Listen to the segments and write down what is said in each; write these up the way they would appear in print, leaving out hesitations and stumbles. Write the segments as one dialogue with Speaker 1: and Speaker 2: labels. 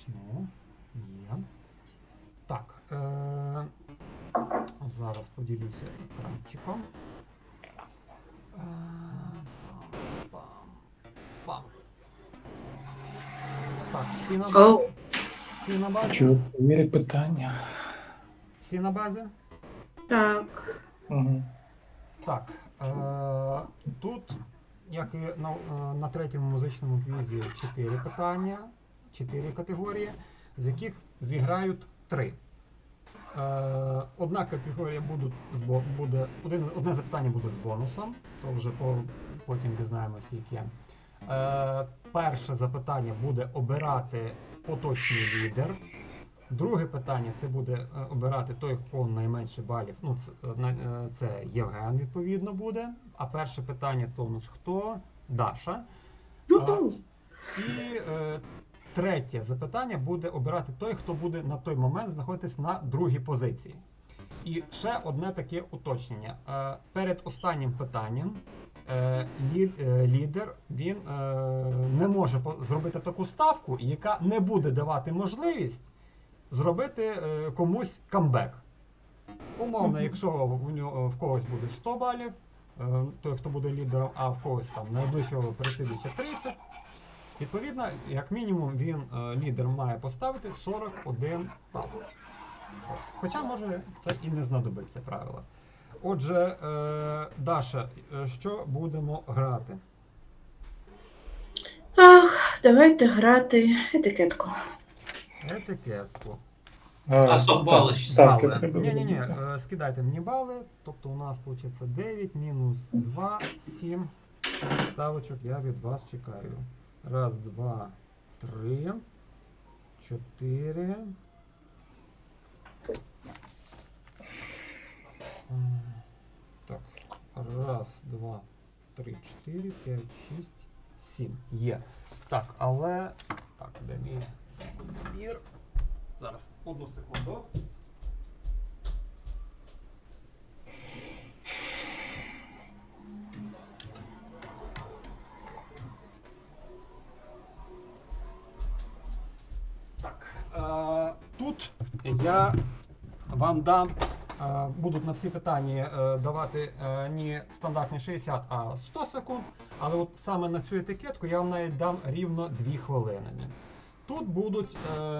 Speaker 1: почну. Є. Так. Зараз поділюся екранчиком. Пам. Так, всі на базі? Всі на базі?
Speaker 2: Хочу перевірити питання.
Speaker 1: Всі на базі?
Speaker 3: Так.
Speaker 2: Угу.
Speaker 1: Так. Тут, як і на третьому музичному квізі, 4 питання, 4 категорії, з яких зіграють 3. Одна категорія буде одне запитання буде з бонусом, то вже потім дізнаємося, яке. Перше запитання буде обирати поточний лідер. Друге питання це буде обирати той, кого найменше балів. Ну, це Євген, відповідно, буде. А перше питання то у нас хто? Даша. І третє запитання буде обирати той, хто буде на той момент знаходитись на другій позиції. І ще одне таке уточнення. Перед останнім питанням лідер він не може зробити таку ставку, яка не буде давати можливість зробити комусь камбек. Умовно, якщо в когось буде 100 балів, той, хто буде лідером, а в когось там найближчого переслідувача 30, відповідно, як мінімум, він, лідер, має поставити 41 бал. Хоча, може, це і не знадобиться правило. Отже, Даша, що будемо грати?
Speaker 3: Давайте грати етикетку.
Speaker 1: Етикетку.
Speaker 4: А 100 балів ще
Speaker 2: ставки
Speaker 1: Бали.
Speaker 2: треба
Speaker 1: Ні,
Speaker 2: робити.
Speaker 1: скидайте мені бали. Тобто у нас виходить 9 мінус 2, 7 ставочок я від вас чекаю. Раз, два, три, 4. Так, раз, два, три, 4, 5, 6, 7. Є. Так, але... Так, де мій секундомір? Зараз, одну секунду. Так, тут я вам дам, будуть на всі питання давати не стандартні 60, а 100 секунд. Але от саме на цю етикетку я вам навіть дам рівно 2 хвилини. Тут будуть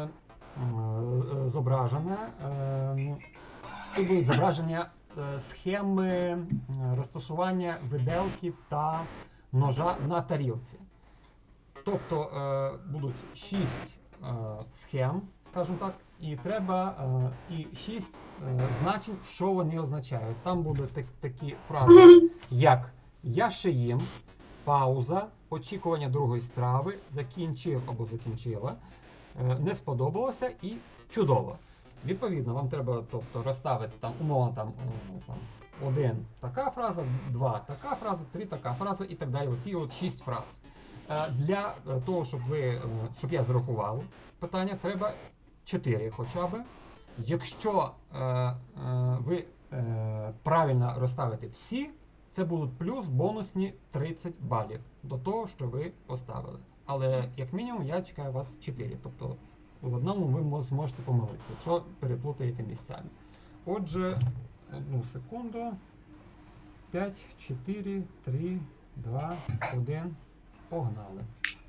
Speaker 1: зображення схеми розташування виделки та ножа на тарілці. Тобто будуть 6 схем, скажімо так, і треба і 6 значень, що вони означають. Там будуть такі фрази, як «я ще їм», «пауза», «очікування другої страви», «закінчив» або «закінчила», «не сподобалося» і «чудово». Відповідно, вам треба, тобто, розставити там умовно там 1 така фраза, 2 така фраза, 3 така фраза і так далі. Оці от 6 фраз. Для того, щоб я зарахував питання, треба 4 хоча б. Якщо ви правильно розставите всі, це будуть плюс бонусні 30 балів до того, що ви поставили. Але, як мінімум, я чекаю вас 4. Тобто, в одному ви зможете помилитися, якщо переплутаєте місцями. Отже, одну секунду. 5, 4, 3, 2, 1. Погнали.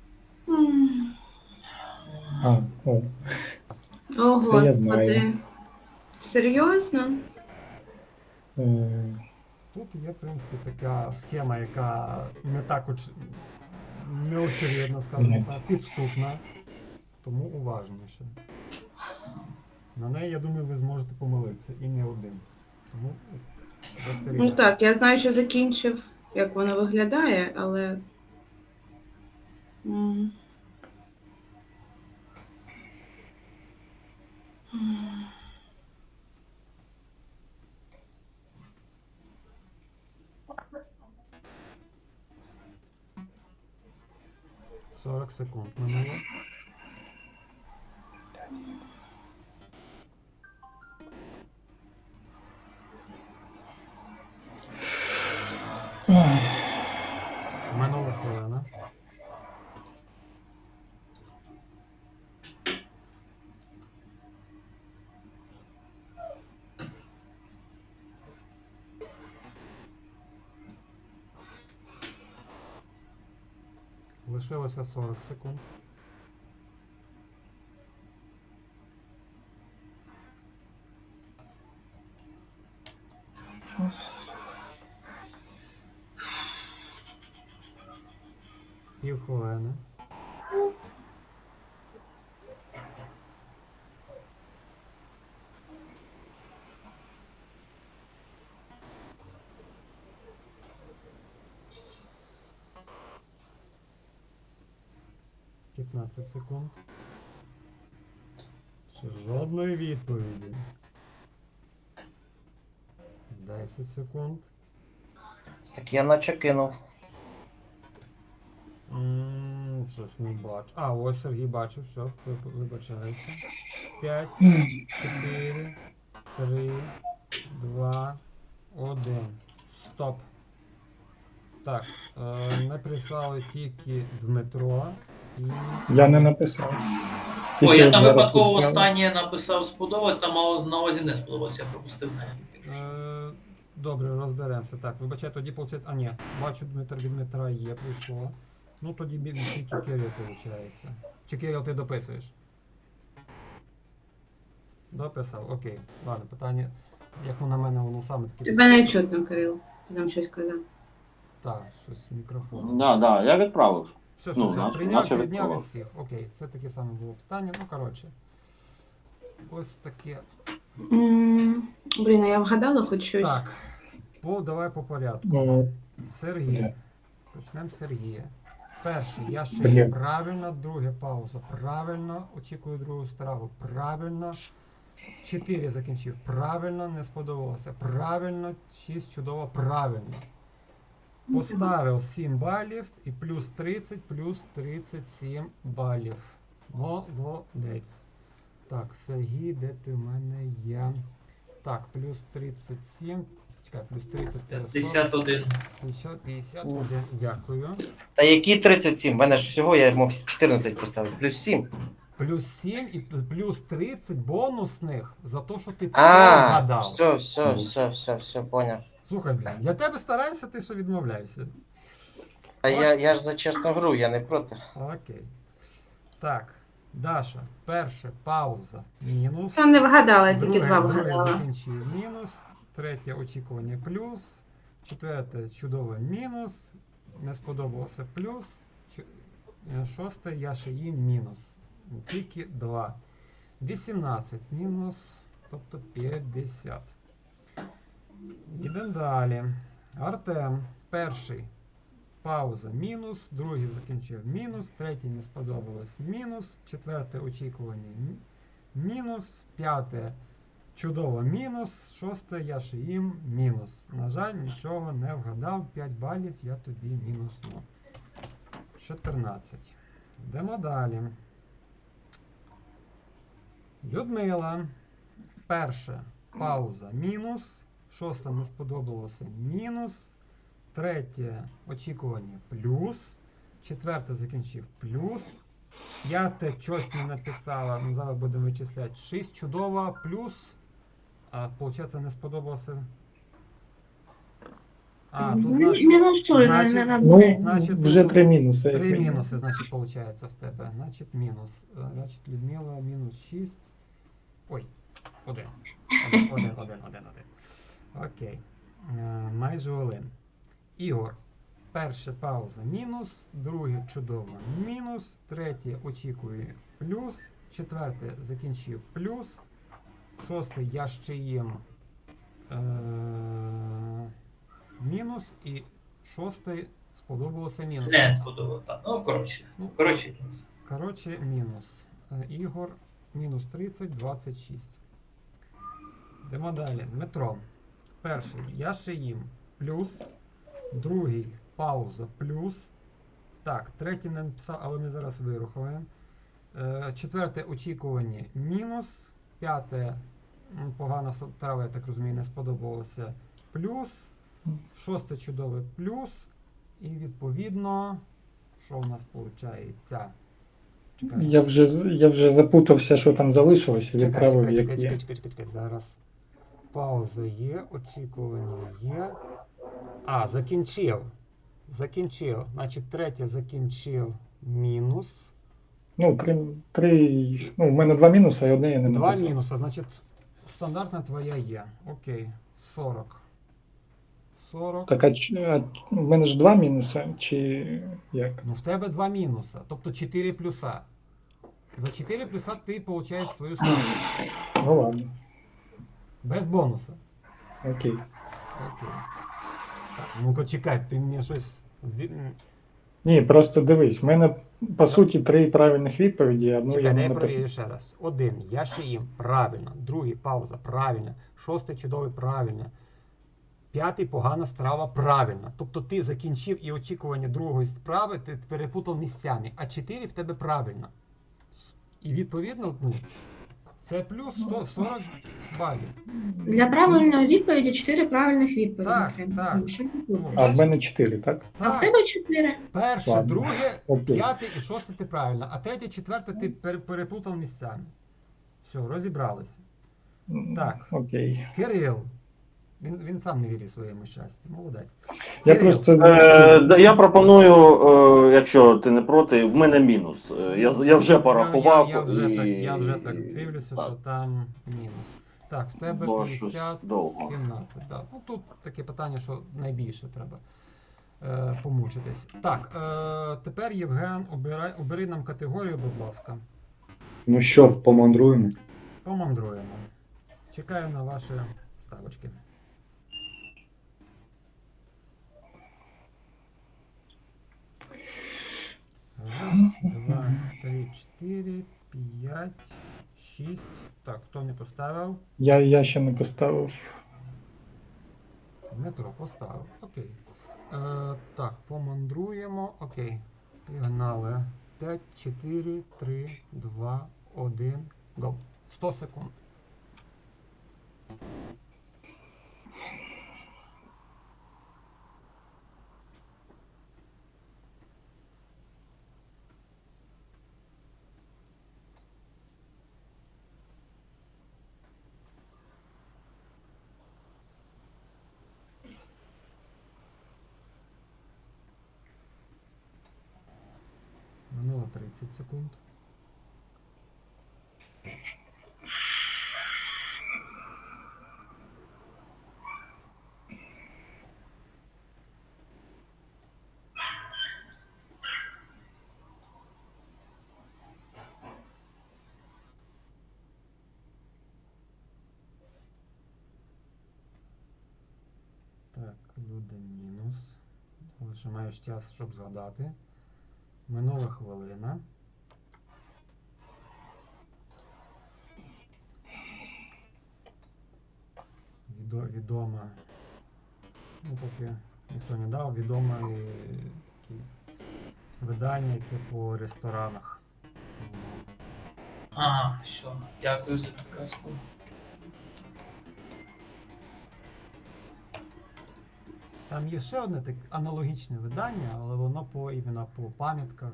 Speaker 3: О,
Speaker 2: Це я знаю.
Speaker 3: господи. Серйозно?
Speaker 1: Тут є, в принципі, така схема, яка не так неочевидна, скажімо так, підступна. Тому уважніше. На неї, я думаю, ви зможете помилитися. І не один. Тому
Speaker 3: Ну
Speaker 1: застерігаю.
Speaker 3: так, я знаю, що закінчив, як воно виглядає, але. м.
Speaker 1: 40 секунд минуло. Минула хвилина. Лишилося 40 секунд. Півхвилини. П'ятнадцять секунд. Ще жодної відповіді. 10 секунд.
Speaker 5: Так я наче кинув.
Speaker 1: Щось не бачу. А, ось Сергій бачив, все, вибачаюся. 5, 4, 3, 2, 1. Стоп. Так, не прислали тільки Дмитро і...
Speaker 2: Я не написав.
Speaker 4: О,
Speaker 2: Тільки
Speaker 4: я
Speaker 2: от
Speaker 4: там
Speaker 2: зараз
Speaker 4: випадково
Speaker 2: відправив.
Speaker 4: останнє написав сподобалось, там мало на увазі не сподобалось, я пропустив навіть.
Speaker 1: Добре, розберемося. Так, вибачай, тоді виходить... А, ні, бачу, від Дмитра є, прийшло. Ну, тоді тільки Кирил, виходить. Чи Кирил, ти дописуєш? Дописав, окей. Ладно, питання, як на мене, воно саме таке...
Speaker 3: Тебе не чутно, Кирил. Ти там щось казав.
Speaker 1: Так, щось мікрофон.
Speaker 6: Да, я відправив.
Speaker 1: Все,
Speaker 6: Ну,
Speaker 1: все,
Speaker 6: наче
Speaker 1: прийняв від
Speaker 6: відправив.
Speaker 1: всіх. Окей, це таке саме було питання. Ну, коротше. Ось таке.
Speaker 3: Блін, а я вгадала хоч щось.
Speaker 1: Так, давай по порядку.
Speaker 2: О,
Speaker 1: Сергій.
Speaker 2: Бля.
Speaker 1: Почнемо з Сергія. Перший, я ще
Speaker 2: Бля.
Speaker 1: є правильно, друге пауза. Правильно, очікую другу страву. Правильно. 4 закінчив. Правильно, не сподобалося. Правильно, 6 чудово, правильно. Поставив 7 балів і плюс 30, плюс 37 балів. Молодець. Так, Сергій, де ти в мене є? Так, плюс 37. Чекай, плюс 30 це 40.
Speaker 4: 51.
Speaker 1: 51, дякую.
Speaker 5: Та які 37? В мене ж всього я мог 14 поставити. Плюс 7.
Speaker 1: Плюс 7 і плюс 30 бонусних за те, що ти все
Speaker 5: А,
Speaker 1: вгадав.
Speaker 5: все, поняв.
Speaker 1: Слухай, блін, я тебе стараюся, ти що відмовляєшся.
Speaker 5: А я ж за чесну гру, я не проти.
Speaker 1: Окей. Так, Даша, перше, пауза, мінус.
Speaker 3: Та не вгадала, тільки два
Speaker 1: Друге
Speaker 3: вгадала.
Speaker 1: закінчив мінус. Третє очікування плюс. Четверте чудове мінус. Не сподобалося плюс. Шосте я ще їм мінус. Тільки 2. 18 мінус, тобто 50. Йдемо далі. Артем. Перший. Пауза мінус. Другий закінчив мінус. Третій не сподобалось мінус. Четверте очікування мінус. П'яте чудово мінус. Шосте я ще їм мінус. На жаль, нічого не вгадав. 5 балів я тобі мінусну. 14. Йдемо далі. Людмила. Перше. Пауза мінус. Шосте не сподобалося мінус. Третє очікування плюс. Четверте закінчив плюс. П'яте щось не написала. Ну, зараз будемо вичисляти. 6 чудово плюс. А виходить не сподобалося. А, тут
Speaker 7: Мінусуй,
Speaker 1: значить-
Speaker 7: не
Speaker 2: Ну,
Speaker 1: Значить,
Speaker 2: вже
Speaker 1: тут
Speaker 2: 3 мінуси.
Speaker 1: 3 мінуси, значить, виходить в тебе. Значить, мінус. Значить, Людмила мінус 6. Ой, 1. 1. Окей. Майже 1. Ігор. Перше пауза мінус, друге чудово мінус, третє очікує плюс, четверте закінчив плюс, шосте я ще їм мінус і шосте сподобалося мінус.
Speaker 4: Не сподобало, так. Ну, коротше. Мінус.
Speaker 1: Коротше, мінус. Ігор мінус 30, 26. Йдемо далі. Дмитро. Перший я ще їм плюс, другий пауза плюс. Так, третій не написав, але ми зараз вирухаємо. Четверте очікування мінус. П'яте погана трава, я так розумію, не сподобалося плюс. Шосте чудове плюс. І відповідно, що в нас виходить? Чекай.
Speaker 2: Я вже запутався, що там залишилося, відправив як є.
Speaker 1: Чекай. Зараз пауза є, очікування є. А, закінчив. закінчив. Значить, третє закінчив мінус.
Speaker 2: Ну, ну, в мене 2 мінуси, і одне я не
Speaker 1: Два
Speaker 2: написав.
Speaker 1: мінуси, значить, стандартна твоя є. Окей. 40. 40.
Speaker 2: Так, в мене ж 2 мінуси, чи як?
Speaker 1: Ну, в тебе два мінуса, тобто 4 плюса. За 4 плюса ти получаєш свою ставку.
Speaker 2: Ну ладно,
Speaker 1: Без бонуса.
Speaker 2: окей.
Speaker 1: Окей. Так, ну-ка чекай, ти мені щось.
Speaker 2: Ні, просто дивись, в мене по суті 3 правильних відповіді, а одну я
Speaker 1: Чекай,
Speaker 2: не
Speaker 1: дай
Speaker 2: написав.
Speaker 1: перевірю ще раз. Один, я ще їм. Правильно. Другий, пауза. Правильно. Шостий, чудовий, правильно. П'ятий, погана страва, правильно. Тобто ти закінчив і очікування другої справи, ти перепутав місцями, а 4 в тебе правильно. І відповідно, ну, це плюс 40 балів.
Speaker 3: Для правильної відповіді 4 правильних відповіді
Speaker 1: Так,
Speaker 3: треба.
Speaker 1: так.
Speaker 3: Ну, що ти думаєш?
Speaker 2: А в мене 4, так?
Speaker 3: А в
Speaker 1: Так,
Speaker 3: тебе 4.
Speaker 1: перше,
Speaker 2: Ладно.
Speaker 1: друге,
Speaker 2: Окей.
Speaker 1: п'яте і шосте ти правильно, а третє, четверте ти переплутав місцями. Все, розібралися. Так.
Speaker 2: Окей.
Speaker 1: Кирил. Він сам не вірить своєму щастю. Молодець.
Speaker 2: Я
Speaker 1: Кирил.
Speaker 2: просто
Speaker 6: Я пропоную, якщо ти не проти, в мене мінус. Я вже порахував.
Speaker 1: Я вже так дивлюся,
Speaker 6: Так.
Speaker 1: що там мінус. Так, в тебе
Speaker 6: Бо щось
Speaker 1: 50,
Speaker 6: довго.
Speaker 1: 17. Так. Ну, тут таке питання, що найбільше треба помучитись. Так, тепер Євген, обери нам категорію, будь ласка.
Speaker 7: Ну що, помандруємо?
Speaker 1: Помандруємо. Чекаю на ваші ставочки. Раз, два, три, чотири, п'ять, шість. Так, хто не поставив?
Speaker 2: я ще не поставив.
Speaker 1: Дмитро поставив. Окей. Так, помандруємо. Окей. Пігнали. 5, 4, 3, 2, 1. Го. 100 секунд. Минуло 30 секунд. Так, Люда мінус. Лише маєш час, щоб згадати. Минула хвилина. Відома. Ну, поки ніхто не дав, відоме такі видання, яке по ресторанах.
Speaker 4: Ага, все. Дякую за підказку.
Speaker 1: Там є ще одне таке аналогічне видання, але воно іменно по пам'ятках.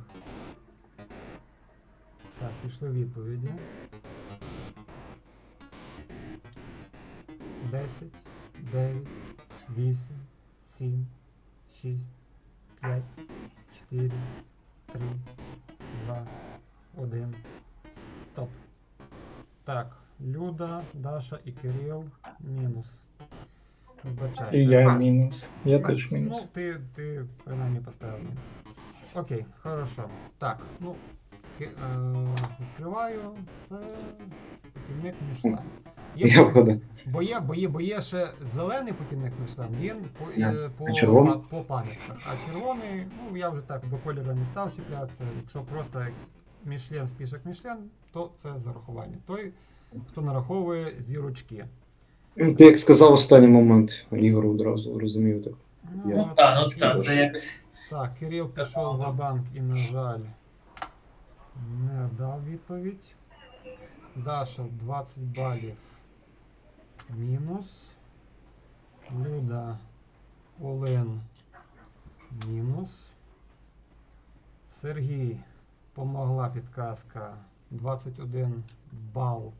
Speaker 1: Так, пішли відповіді. 10, 9, 8, 7, 6, 5, 4, 3, 2, 1. Стоп. Так, Люда, Даша і Кирил мінус. Вибачайте.
Speaker 2: І я мінус. Я теж
Speaker 1: Ну,
Speaker 2: мінус.
Speaker 1: ти принаймні поставив мінус. Окей, хорошо. Так, ну, відкриваю. Це путівник Мішлен.
Speaker 7: Я вгадав.
Speaker 1: Бо є ще зелений путівник Мішлен, він
Speaker 7: А червоний?
Speaker 1: по пам'ятках. А червоний, ну я вже так до кольору не став чіплятися. Якщо просто як Мішлен, спішок Мішлен, то це зарахування. Той, хто нараховує зірочки.
Speaker 7: Ну, ти як сказав останній момент, Ігор одразу розумів так.
Speaker 1: Ну,
Speaker 7: Я-
Speaker 1: от,
Speaker 4: Так, це якось.
Speaker 1: Так, Кирил пішов в банк і, на жаль, не дав відповідь. Даша 20 балів мінус. Люда Олен мінус. Сергій помогла підказка 21 бал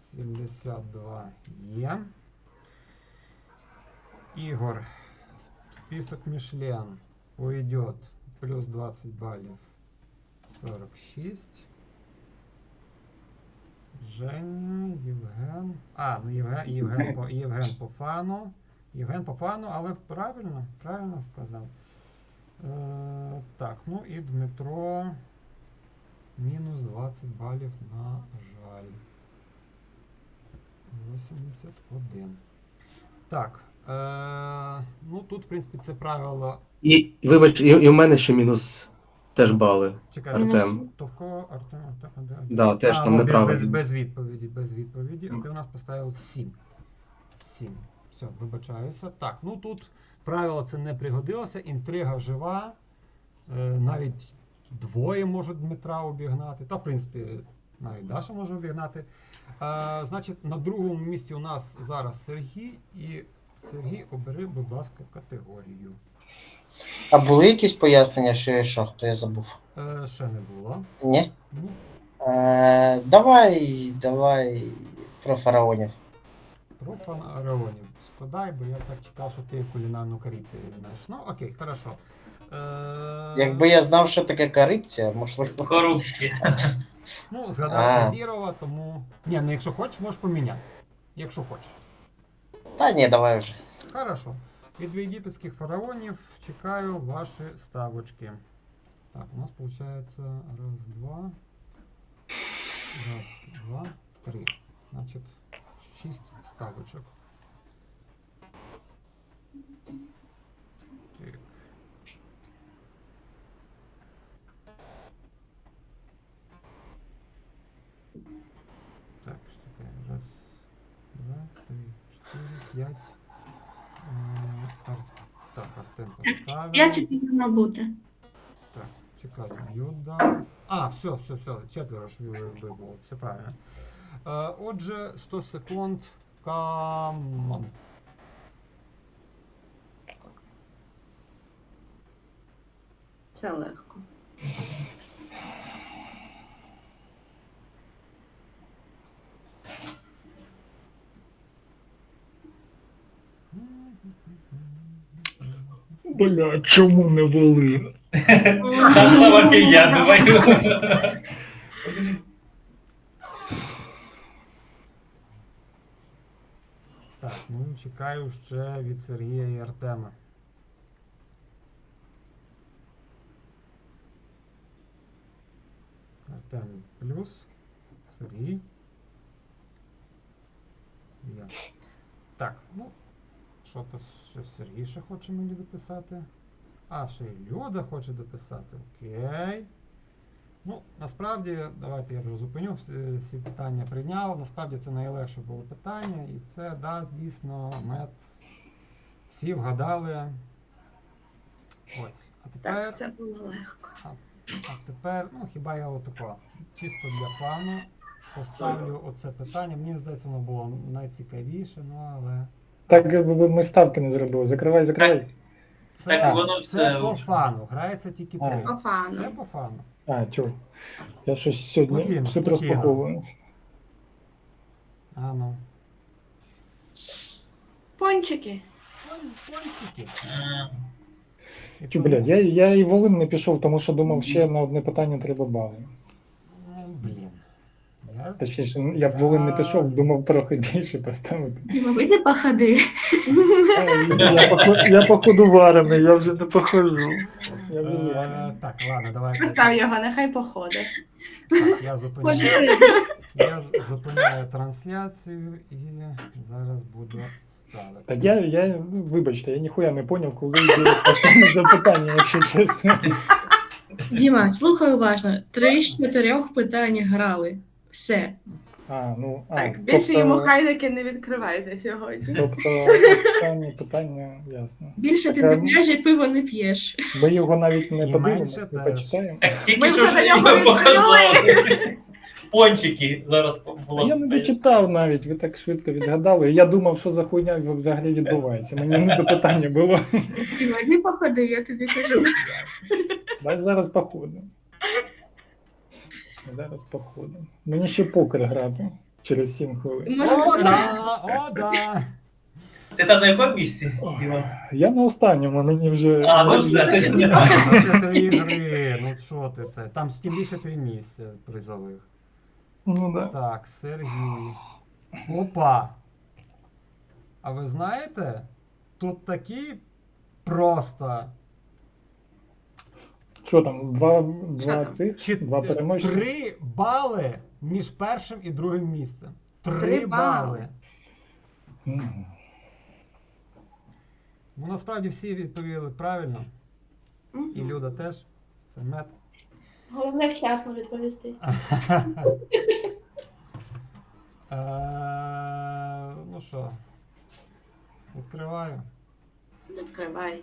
Speaker 1: 72 є. Ігор список Мишлен уйдет плюс 20 баллов 46. Женя, Євген. Ну Євген по фану. Євген по фану, але правильно вказав. Так, ну і Дмитро. Мінус 20 балів, на жаль. 81. Так. Ну тут, в принципі, це правило.
Speaker 8: І вибач, і в мене ще мінус теж бали.
Speaker 1: Чекай,
Speaker 8: Артем.
Speaker 1: То в кого Артем?
Speaker 8: Да, теж там
Speaker 1: ну,
Speaker 8: неправильно.
Speaker 1: без відповіді. А ти у нас поставив 7. 7. Все, вибачаюся. Так, ну тут правило це не пригодилося. Інтрига жива. Навіть двоє можуть Дмитра обігнати. Та, в принципі, навіть Даша може обігнати. Значить, на другому місці у нас зараз Сергій. І Сергій, обери, будь ласка, категорію.
Speaker 5: А були якісь пояснення, що я що? То я забув.
Speaker 1: Ще не було.
Speaker 5: Ні?
Speaker 1: Ні.
Speaker 5: Давай про фараонів.
Speaker 1: Про фараонів. Складай, бо я так чекав, що ти кулінарну корупцію знаєш. Ну, окей, хорошо.
Speaker 5: Якби я знав, що таке корупція, можливо.
Speaker 4: Корупція.
Speaker 1: Ну, згадав Азірова, тому. Ні, ну якщо хочеш, можеш поміняти. Якщо хочеш.
Speaker 5: Та ні, давай вже.
Speaker 1: Хорошо. Від єгипетських фараонів чекаю ваші ставочки. Так, у нас виходить раз, два, три. Значить, 6 ставочок. Так. Так, що таке? Раз, два, три, 4, 5. Так, Артем поставив.
Speaker 9: 5 повинно бути.
Speaker 1: Так, чекай, Юда. Все, четверо ж вибуло, все правильно. Отже, 100 секунд. Камон.
Speaker 3: Це легко.
Speaker 2: Бля, чому не були?
Speaker 4: Та ж сама фігня, думаю.
Speaker 1: Так, ну чекаю ще від Сергія і Артема. Артем плюс. Сергій. Я. Так, ну. Що-то щось Сергій ще хоче мені дописати. Ще й Люда хоче дописати. Окей. Ну, насправді, давайте я вже зупиню, всі питання прийняв. Насправді це найлегше було питання. І це, да, дійсно, мед. Всі вгадали. Ось. А тепер,
Speaker 3: Так, це було легко.
Speaker 1: а тепер, ну, хіба я отако, чисто для фану поставлю оце питання. Мені здається, воно було найцікавіше, ну, але...
Speaker 2: Так ми ставки не зробили. Закривай.
Speaker 4: Так воно все
Speaker 1: це по
Speaker 4: вже.
Speaker 1: фану. Грається тільки 3.
Speaker 3: По фану.
Speaker 1: Це по фану.
Speaker 2: Чув. Я щось сьогодні
Speaker 1: Спокійно,
Speaker 2: все
Speaker 1: спокійно.
Speaker 2: розпаковую.
Speaker 1: Ну.
Speaker 3: Пончики.
Speaker 1: Пончики. І
Speaker 2: Чу,
Speaker 1: тому-
Speaker 2: блядь, я і Волин не пішов, тому що думав, ще на одне питання треба бали.
Speaker 1: Блін.
Speaker 2: Точніше, я б Волин не пішов, думав трохи більше поставити.
Speaker 9: Діма, вийди походи.
Speaker 2: Я походу варений, я вже не походжу. Я вже зварений.
Speaker 1: Так, ладно, давай.
Speaker 3: Постав його, нехай походить.
Speaker 1: Так, я зупиняю.
Speaker 9: Може,
Speaker 1: Я зупиняю трансляцію і зараз буду ставити.
Speaker 2: Так вибачте, я ніхуя не поняв, коли йде останнє запитання, якщо чесно.
Speaker 9: Діма, слухай уважно. 3 з 4 питань грали. Все.
Speaker 3: Так, більше йому хайники не відкривайте сьогодні.
Speaker 2: Тобто останнє питання, ясно.
Speaker 9: Більше ти
Speaker 2: Так,
Speaker 9: не п'єш і пиво не п'єш.
Speaker 2: Ми його навіть не
Speaker 1: І
Speaker 2: подивимося,
Speaker 1: менше
Speaker 2: не
Speaker 1: теж.
Speaker 2: почитаємо.
Speaker 4: Так тільки
Speaker 3: Ми
Speaker 4: що
Speaker 3: вже
Speaker 4: ж
Speaker 3: на
Speaker 4: я
Speaker 3: нього
Speaker 4: показав. Пончики зараз було.
Speaker 2: Я не дочитав навіть, ви так швидко відгадали. Я думав, що за хуйня взагалі відбувається. Мені не до питання було.
Speaker 9: Діма, йди походи, я тобі кажу.
Speaker 2: Дай зараз походимо. Зараз походимо. Мені ще покер грати через 7 хвилин.
Speaker 9: Може,
Speaker 1: О, да!
Speaker 4: Ти там на якому місці? Діма?
Speaker 2: Я на останньому, мені вже.
Speaker 4: А, ну все.
Speaker 1: Це 3 гри, ну що ти це? Там тим більше 3 місця призових.
Speaker 2: Ну да.
Speaker 1: Так, Сергій. Опа! А ви знаєте, тут такі просто
Speaker 2: Що там, два
Speaker 3: там?
Speaker 2: цих? Два переможці?
Speaker 1: 3 бали між першим і другим місцем. 3
Speaker 3: 3
Speaker 1: бали.
Speaker 3: бали.
Speaker 2: Мгм.
Speaker 1: Ну, насправді всі відповіли правильно.
Speaker 3: Мгм.
Speaker 1: І Люда теж. Це мед.
Speaker 9: Головне вчасно відповісти.
Speaker 1: Ну що, відкриваю.
Speaker 3: Відкривай.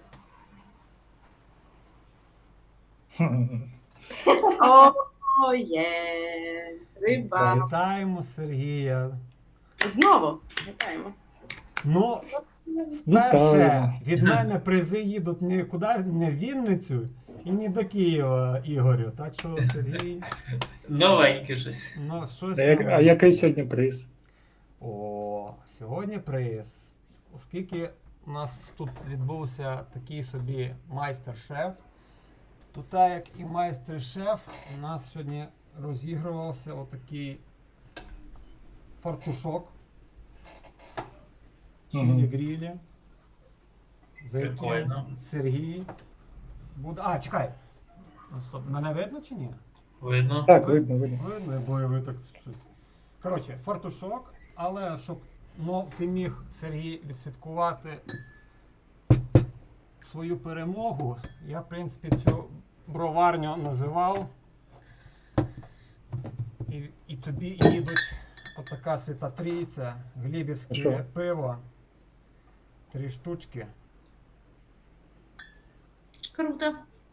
Speaker 2: Хм.
Speaker 3: О, є. 3 бали.
Speaker 1: Вітаємо Сергія.
Speaker 3: Знову. Вітаємо.
Speaker 1: Ну,
Speaker 2: Вітаю.
Speaker 1: перше, від мене призи їдуть нікуди, не в Вінницю і не до Києва, Ігорю. Так що, Сергій,
Speaker 4: Новеньке щось.
Speaker 1: ну щось.
Speaker 2: А
Speaker 1: нове.
Speaker 2: який сьогодні приз?
Speaker 1: О, сьогодні приз. Оскільки у нас тут відбувся такий собі майстер-шеф, то так як і майстер-шеф, у нас сьогодні розігрувався отакий фартушок. Чилі-грілі. За яким
Speaker 4: Прикольно.
Speaker 1: Сергій буде. А, чекай. Ну, стоп, мене видно чи ні?
Speaker 4: Видно.
Speaker 2: Так, видно, видно.
Speaker 1: Видно, бо ви так щось. Коротше, фартушок, але щоб ти міг, Сергій, відсвяткувати свою перемогу, я, в принципі, цю броварню називав. І тобі їдуть отака свята трійця, глібівське
Speaker 2: Що?
Speaker 1: пиво. 3 штучки.
Speaker 9: Круто.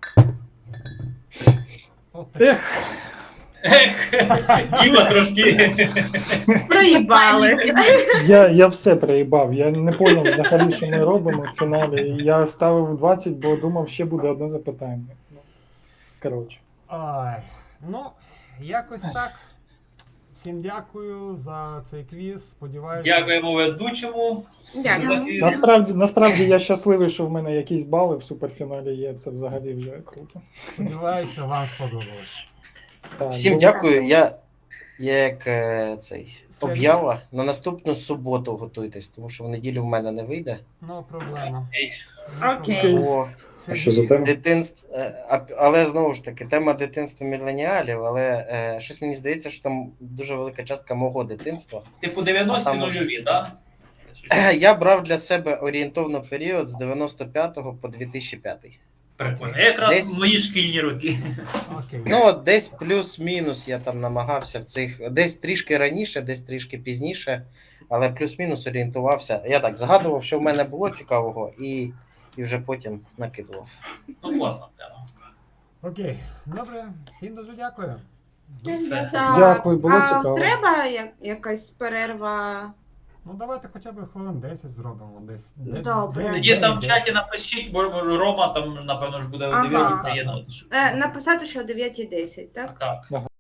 Speaker 1: От такі.
Speaker 4: Ех, Діма трошки.
Speaker 3: Проїбали.
Speaker 2: Я все проїбав. Я не зрозумів взагалі, що ми робимо в фіналі. Я ставив 20, бо думав, ще буде одне запитання. Ну, коротше.
Speaker 1: Ай, ну, якось так. Всім дякую за цей квіз. Сподіваюся.
Speaker 4: Дякуємо ведучому.
Speaker 3: Дякую.
Speaker 2: Насправді я щасливий, що в мене якісь бали в суперфіналі є. Це взагалі вже круто.
Speaker 1: Сподіваюся, вам сподобалось.
Speaker 2: Так,
Speaker 5: Всім
Speaker 2: бо-
Speaker 5: дякую. Я як цей
Speaker 1: Сергій.
Speaker 5: об'ява на наступну суботу готуйтесь, тому що в неділю в мене не вийде.
Speaker 1: Ну, проблема.
Speaker 3: Окей.
Speaker 5: Бо
Speaker 7: А що за тема?
Speaker 5: дитинство, але знову ж таки, тема дитинства міленіалів, але щось мені здається, що там дуже велика частка мого дитинства.
Speaker 4: Типу 90-ті
Speaker 5: Там може-
Speaker 4: нульові, так?
Speaker 5: Я брав для себе орієнтовно період з 95 по 2005.
Speaker 4: Прикольно. Якраз
Speaker 5: Десь-
Speaker 4: мої шкільні роки.
Speaker 1: Окей.
Speaker 5: Ну, от десь плюс-мінус я там намагався в цих, десь трішки раніше, десь трішки пізніше, але плюс-мінус орієнтувався. Я так згадував, що в мене було цікавого, і вже потім накидував.
Speaker 4: Ну, класна тема.
Speaker 1: Окей. Добре, всім дуже дякую.
Speaker 4: Ну, все.
Speaker 3: Так,
Speaker 2: Дякую, було
Speaker 3: а
Speaker 2: цікаво.
Speaker 3: треба якась перерва?
Speaker 1: Ну, давайте хоча б хвилин 10 зробимо. Десь.
Speaker 3: Добре.
Speaker 4: Тоді там в чаті напишіть, бо Рома там, напевно, ж буде о
Speaker 3: Ага.
Speaker 4: 9 приєднувати.
Speaker 3: Написати, що о 9:10, так?
Speaker 4: Так.